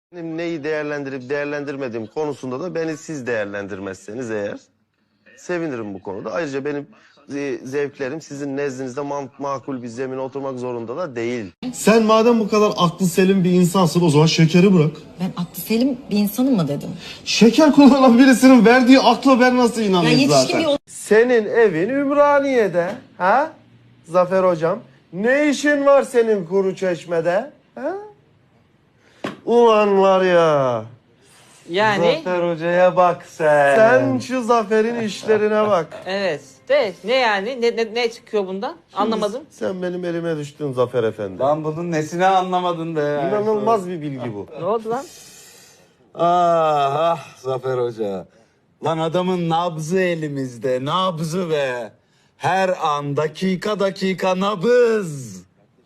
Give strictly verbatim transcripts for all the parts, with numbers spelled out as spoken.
Benim neyi değerlendirip değerlendirmediğim konusunda da beni siz değerlendirmezseniz eğer sevinirim bu konuda. Ayrıca benim zevklerim sizin nezdinizde makul bir zemine oturmak zorunda da değil. Sen madem bu kadar aklı selim bir insansın o zaman şekeri bırak. Ben aklı selim bir insanım mı dedim? Şeker kullanan birisinin verdiği akla ben nasıl Ya inanayım yetişkin zaten? bir Senin evin Ümraniye'de, ha? Zafer hocam, ne işin var senin Kuruçeşme'de? Ha? Ulan var ya. Yani Zafer hocaya bak sen. Sen şu Zafer'in işlerine bak. evet. De ne yani? Ne, ne, ne çıkıyor bundan? Anlamadım. Sen benim elime düştün Zafer Efendi. Lan bunun nesini anlamadın be ya. İnanılmaz bir bilgi bu. Ne oldu lan? Ah ah Zafer Hoca. Lan adamın nabzı elimizde, nabzı be. Her an dakika dakika nabız.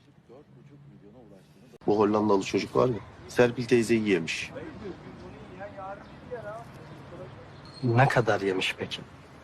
Bu Hollandalı çocuk var ya, Serpil teyzeyi yemiş. Ne kadar yemiş peki?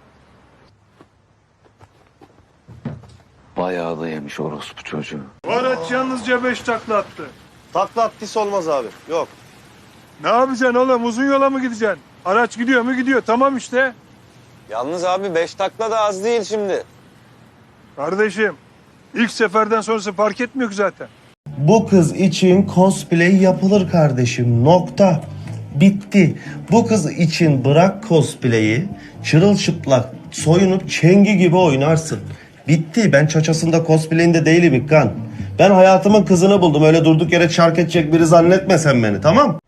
Bayağı da yemiş orospu çocuğu. Bu araç yalnızca beş takla attı. Takla attıysa olmaz abi. Yok. Ne yapacaksın oğlum? Uzun yola mı gideceksin? Araç gidiyor mu gidiyor. Tamam işte. Yalnız abi beş takla da az değil şimdi. Kardeşim ilk seferden sonrası fark etmiyor ki zaten. Bu kız için cosplay yapılır kardeşim. Nokta. Bitti. Bu kız için bırak cosplay'i. Çırılçıplak soyunup çengi gibi oynarsın. Bitti. Ben çaçasında cosplay'inde değilim İkkan. Ben hayatımın kızını buldum. Öyle durduk yere çark edecek biri zannetme sen beni, tamam?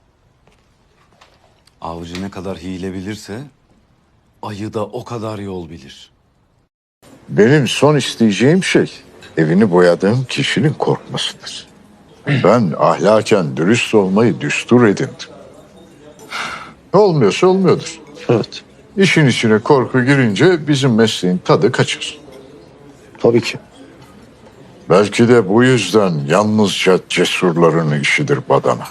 Avcı ne kadar hile bilirse ayı da o kadar yol bilir. Benim son isteyeceğim şey evini boyadığım kişinin korkmasıdır. Ben ahlaken dürüst olmayı düstur edindim. Olmuyorsa olmuyordur. Evet. İşin içine korku girince bizim mesleğin tadı kaçır. Tabii ki. Belki de bu yüzden yalnızca cesurların işidir badana.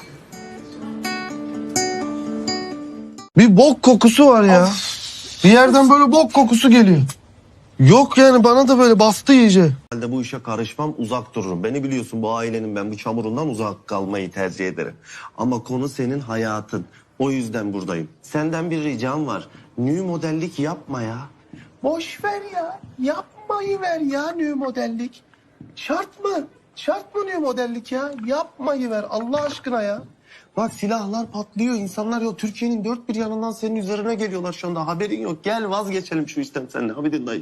Bir bok kokusu var ya. Bir yerden böyle bok kokusu geliyor. Yok yani bana da böyle bastı iyice. Ben bu işe karışmam, uzak dururum. Beni biliyorsun, bu ailenin ben bu çamurundan uzak kalmayı tercih ederim. Ama konu senin hayatın. O yüzden buradayım. Senden bir ricam var. New modellik yapma ya. Boş ver ya. Yapmayı ver ya new modellik. Şart mı? Şart mı new modellik ya? Yapmayı ver Allah aşkına ya. Bak silahlar patlıyor. İnsanlar ya Türkiye'nin dört bir yanından senin üzerine geliyorlar şu anda. Haberin yok. Gel vazgeçelim şu işten seninle. Abidin dayı.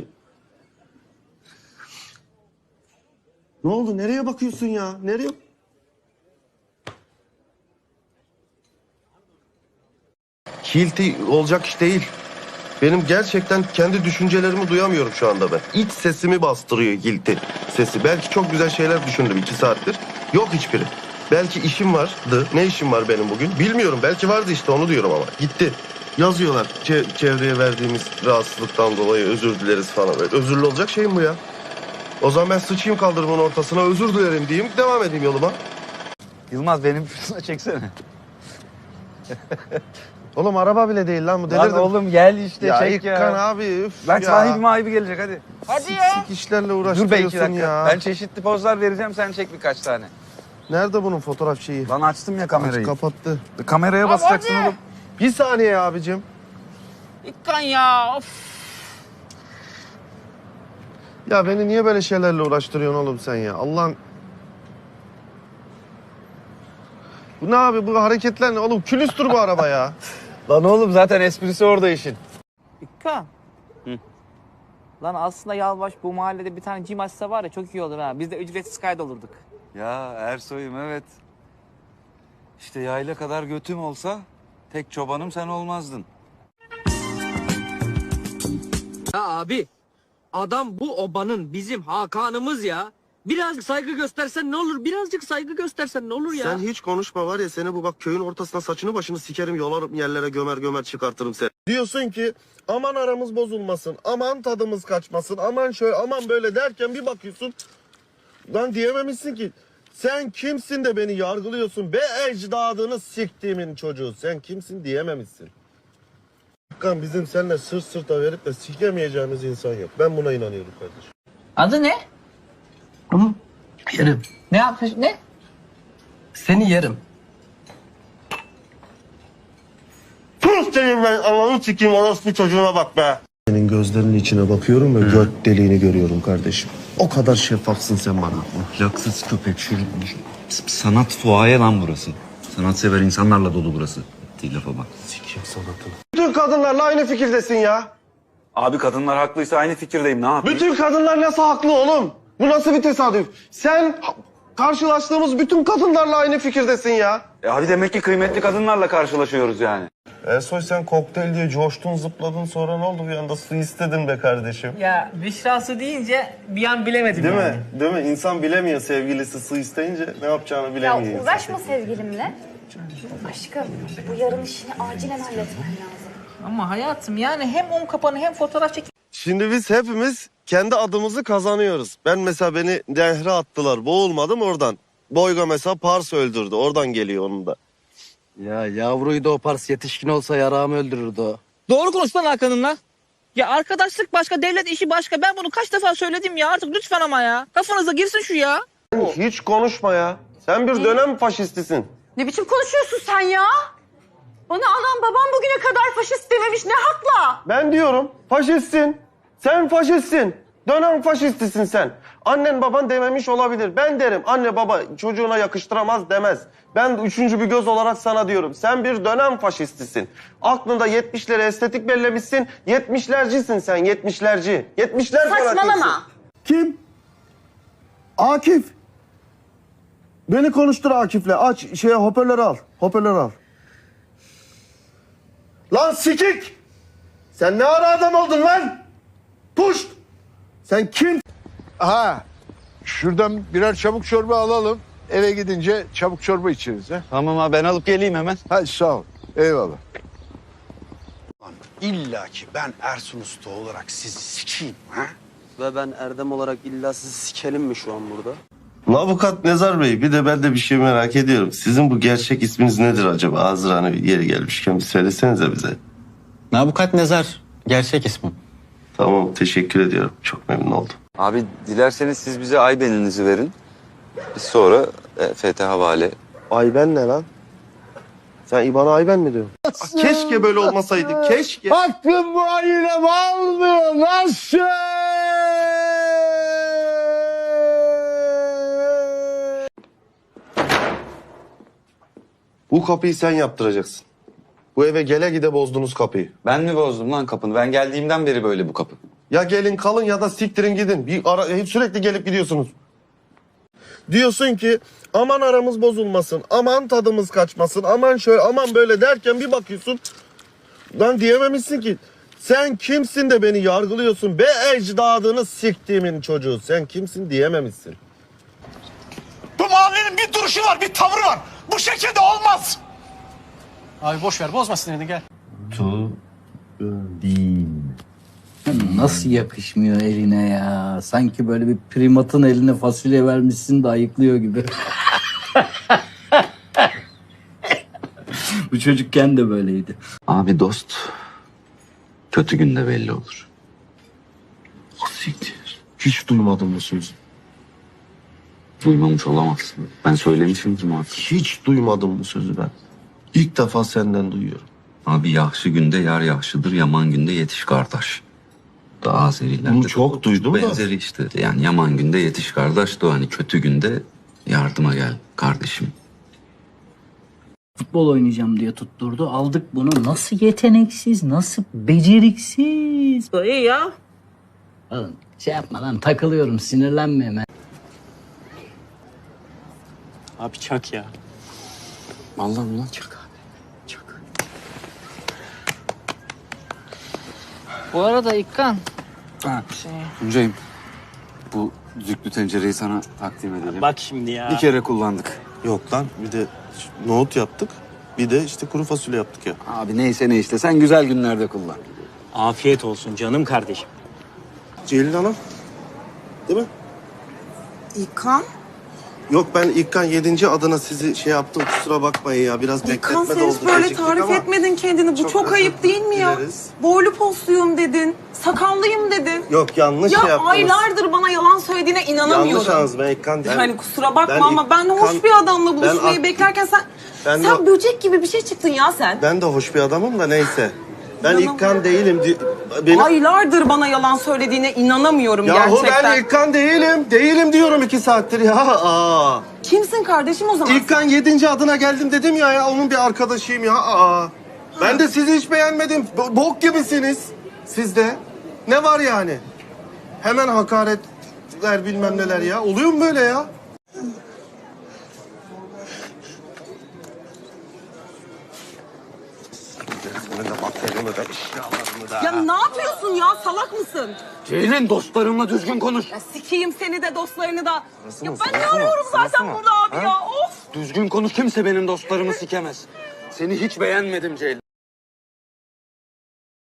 Ne oldu? Nereye bakıyorsun ya? Nereye? Hilti olacak iş değil. Benim gerçekten kendi düşüncelerimi duyamıyorum şu anda ben. İç sesimi bastırıyor Hilti sesi. Belki çok güzel şeyler düşündüm iki saattir. Yok hiçbiri. Belki işim vardı. Ne işim var benim bugün? Bilmiyorum. Belki vardı işte, onu diyorum ama. Gitti. Yazıyorlar. Çe- çevreye verdiğimiz rahatsızlıktan dolayı özür dileriz falan. Böyle özürlü olacak şey mi bu ya? O zaman ben sıçayım kaldırımın ortasına, özür dilerim diyeyim, devam edeyim yoluma. Yılmaz benim şuna çeksene. Oğlum araba bile değil lan bu, Lan delirdim. oğlum gel işte ya çek ya. İkkan abi üf Lan ya. sahibi mahibi gelecek hadi. Hadi ya. Sik işlerle Dur be iki uğraştırıyorsun dakika. ya. Ben çeşitli pozlar vereceğim sen çek birkaç tane. Nerede bunun fotoğraf şeyi? Lan açtım ya kamerayı. Kapattı. Kameraya basacaksın hadi. oğlum. Bir saniye abicim. İkkan ya. Of. Ya beni niye böyle şeylerle uğraştırıyorsun oğlum sen ya? Allah'ın... Bu ne abi, bu hareketler ne? Oğlum külüstür bu araba ya. Lan oğlum zaten esprisi orada işin. İkkan. Lan aslında Yalvaç bu mahallede bir tane gym açsa var ya çok iyi olur ha. Biz de ücretsiz kaydolurduk. Ya Ersoy'um evet. İşte yayla kadar götüm olsa tek çobanım sen olmazdın. Ya abi adam bu obanın bizim Hakan'ımız ya. Birazcık saygı göstersen ne olur? Birazcık saygı göstersen ne olur ya? Sen hiç konuşma var ya, seni bu bak köyün ortasına saçını başını sikerim, yolarım yerlere, gömer gömer çıkartırım seni. Diyorsun ki aman aramız bozulmasın, aman tadımız kaçmasın, aman şöyle aman böyle derken bir bakıyorsun lan diyememişsin ki. Sen kimsin de beni yargılıyorsun be ecdadını siktiğimin çocuğu, sen kimsin diyememişsin. Kan bizim seninle sırt sırta verip de sikemeyeceğimiz insan yok. Ben buna inanıyorum kardeşim. Adı ne? Hı? Yerim. Ne yapmış? Ne? Seni yerim. senin ben ananı sikeyim orospu çocuğuna bak be. Senin gözlerinin içine bakıyorum ve göt deliğini görüyorum kardeşim. O kadar şeffafsın sen bana. Ahlaksız köpek şu sanat fuaye lan burası. Sanatsever insanlarla dolu burası. Ettiği lafa bak. Sikeyim sanatını. Bütün kadınlarla aynı fikirdesin ya. Abi kadınlar haklıysa aynı fikirdeyim, ne yapayım? Bütün kadınlar nasıl haklı oğlum? Bu nasıl bir tesadüf? Sen karşılaştığımız bütün kadınlarla aynı fikirdesin ya. E abi demek ki kıymetli kadınlarla karşılaşıyoruz yani. Ersoy sen kokteyl diye coştun zıpladın sonra ne oldu bir anda su istedin be kardeşim. Ya Büşra'sı deyince bir an bilemedim Değil yani. mi? Değil mi? İnsan bilemiyor sevgilisi su isteyince ne yapacağını bilemiyor. Ya uğraşma sevgilimle. Aşkım bu yarın işini acilen halletmen lazım. Ama hayatım yani hem un kapanı hem fotoğraf çek. Şimdi biz hepimiz kendi adımızı kazanıyoruz. Ben mesela beni nehre attılar. Boğulmadım oradan. Boyga mesela Pars öldürdü. Oradan geliyor onun da. Ya yavruyu da o Pars yetişkin olsa yarağımı öldürürdü o. Doğru konuş lan Hakan'ınla. Ya arkadaşlık başka, devlet işi başka. Ben bunu kaç defa söyledim ya artık lütfen ama ya. Kafanıza girsin şu ya. Hiç konuşma ya. Sen bir dönem faşistisin. Ne biçim konuşuyorsun sen ya? Bana anam babam bugüne kadar faşist dememiş ne hakla? Ben diyorum faşistsin. Sen faşistsin. Dönem faşistisin sen. Annen baban dememiş olabilir. Ben derim anne baba çocuğuna yakıştıramaz demez. Ben üçüncü bir göz olarak sana diyorum. Sen bir dönem faşistisin. Aklında yetmişleri estetik bellemişsin. Yetmişlercisin sen yetmişlerci. Yetmişler fanatiksin. Saçmalama. Kim? Akif. Beni konuştur Akif'le. Aç şeye hoparlörü al. Hoparlörü al. Lan sikik! Sen ne ara adam oldun lan? Puşt! Sen kim? Ha, şuradan birer çabuk çorba alalım. Eve gidince çabuk çorba içeriz. He? Tamam abi ben alıp geleyim hemen. Hadi sağ ol. Eyvallah. İlla ki ben Ersun Usta olarak sizi sikeyim ha? Ve ben Erdem olarak illa sizi sikelim mi şu an burada? Avukat Nezar Bey bir de ben de bir şey merak ediyorum. Sizin bu gerçek isminiz nedir acaba? Hazır hani bir yeri gelmişken bir söylesenize bize. Nabukat Nezar. Gerçek ismim. Tamam teşekkür ediyorum. Çok memnun oldum. Abi dilerseniz siz bize aybeninizi verin. Biz sonra e, F T havale. Ayben ne lan? Sen İBAN'a Ayben mi diyorsun? Keşke böyle olmasaydı. Keşke. Aklım bu ailem almıyor. Nasıl? Bu kapıyı sen yaptıracaksın. Bu eve gele gide bozdunuz kapıyı. Ben mi bozdum lan kapını? Ben geldiğimden beri böyle bu kapı. Ya gelin kalın ya da siktirin gidin. Bir ara, sürekli gelip gidiyorsunuz. Diyorsun ki aman aramız bozulmasın, aman tadımız kaçmasın, aman şöyle, aman böyle derken bir bakıyorsun. Lan diyememişsin ki. Sen kimsin de beni yargılıyorsun be ecdadını siktiğimin çocuğu. Sen kimsin diyememişsin. Bu mahallenin bir duruşu var, bir tavrı var. Bu şekilde olmaz. Abi boş ver bozma sinirini gel. Tu değil. Nasıl yakışmıyor eline ya? Sanki böyle bir primatın eline fasulye vermişsin de ayıklıyor gibi. Bu çocukken de böyleydi. Abi dost kötü günde belli olur. Siktir. Hiç duymadım bu sözü. Duymamış olamazsın. Ben söylemişimdir muhakkak. Hiç duymadım bu sözü ben. İlk defa senden duyuyorum. Abi yaxşı günde yar yaxşıdır, yaman günde yetiş kardeş. Daha Azerilerde Bunu çok duydum da. benzeri işte. Yani yaman günde yetiş kardeş de o hani kötü günde yardıma gel kardeşim. Futbol oynayacağım diye tutturdu. Aldık bunu. Nasıl yeteneksiz, nasıl beceriksiz. İyi ya. Oğlum şey yapma lan takılıyorum sinirlenme hemen. Abi çak ya. Vallahi ulan çak abi. Çak. Bu arada İkkan. Ha. Tuncay'ım bu düdüklü tencereyi sana takdim edelim. Bak şimdi ya. Bir kere kullandık. Yok lan bir de nohut yaptık. Bir de işte kuru fasulye yaptık ya. Abi neyse ne işte sen güzel günlerde kullan. Afiyet olsun canım kardeşim. Ceylin Hanım. Değil mi? İlkan? Yok ben İlkan yedinci adına sizi şey yaptım, kusura bakmayın ya. Biraz İlkan bekletme sen de oldu. hiç böyle geciktik tarif ama etmedin kendini. Bu çok çok, özür ayıp değil mi ya? dileriz. Boylu posluyum dedin. Sakallıyım dedin. Yok yanlış Ya şey yaptınız. aylardır bana yalan söylediğine inanamıyorum. Yanlış anladınız ben İlkan değilim. Yani kusura bakma Ben ama ben hoş İlkan- bir adamla ben buluşmayı ak- beklerken sen... Ben sen de- böcek gibi bir şey çıktın ya sen. Ben de hoş bir adamım da neyse. Ben İnanamıyorum. İlkan değilim. di- Beni... Aylardır bana yalan söylediğine inanamıyorum Yahu gerçekten. ben İlkan değilim. Değilim diyorum iki saattir ya. Aa. Kimsin kardeşim o zaman? İlkan yedinci adına geldim dedim ya ya. Onun bir arkadaşıyım ya. Aa. Ben de sizi hiç beğenmedim. Bo- Bok gibisiniz. Siz de. Ne var yani? Hemen hakaretler bilmem neler ya. Oluyor mu böyle ya? Resmini de bakterimi de eşyalarımı da. Ya ne yapıyorsun ya? Salak mısın? Ceylin dostlarımla düzgün konuş. Ya sikeyim seni de dostlarını da. Sırası Ya mı, ben ne sırası mı, arıyorum sırası zaten mı? burada abi Ha? ya? Of! Düzgün konuş, kimse benim dostlarımı sikemez. Seni hiç beğenmedim Ceylin.